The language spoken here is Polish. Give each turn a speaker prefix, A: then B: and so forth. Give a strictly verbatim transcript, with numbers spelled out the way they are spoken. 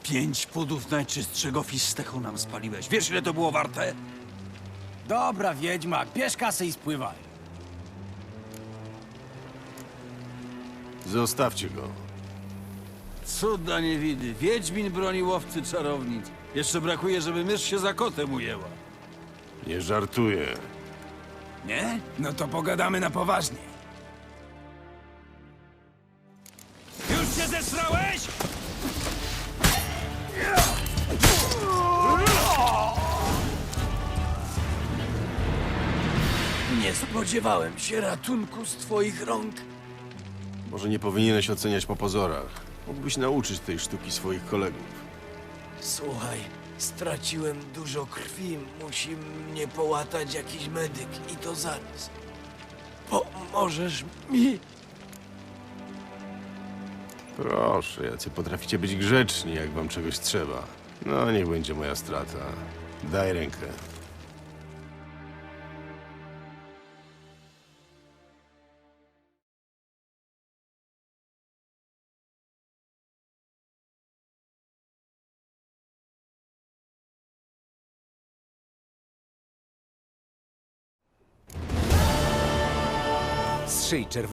A: Pięć pudów najczystszego fistechu nam spaliłeś. Wiesz, ile to było warte?
B: Dobra, wiedźmak, bierz kasę i spływaj.
C: Zostawcie go.
A: Cuda niewidy. Wiedźmin broni łowcy czarownic. Jeszcze brakuje, żeby mysz się za kotem ujęła.
C: Nie żartuję.
A: Nie?
B: No to pogadamy na poważnie.
A: Już się zesrałeś? Nie spodziewałem się ratunku z twoich rąk.
C: Może nie powinieneś oceniać po pozorach. Mógłbyś nauczyć tej sztuki swoich kolegów.
D: Słuchaj, straciłem dużo krwi. Musi mnie połatać jakiś medyk i to zaraz. Pomożesz mi?
C: Proszę, jacy potraficie być grzeczni, jak wam czegoś trzeba. No, niech będzie moja strata. Daj rękę.
B: Strzyj czerwony.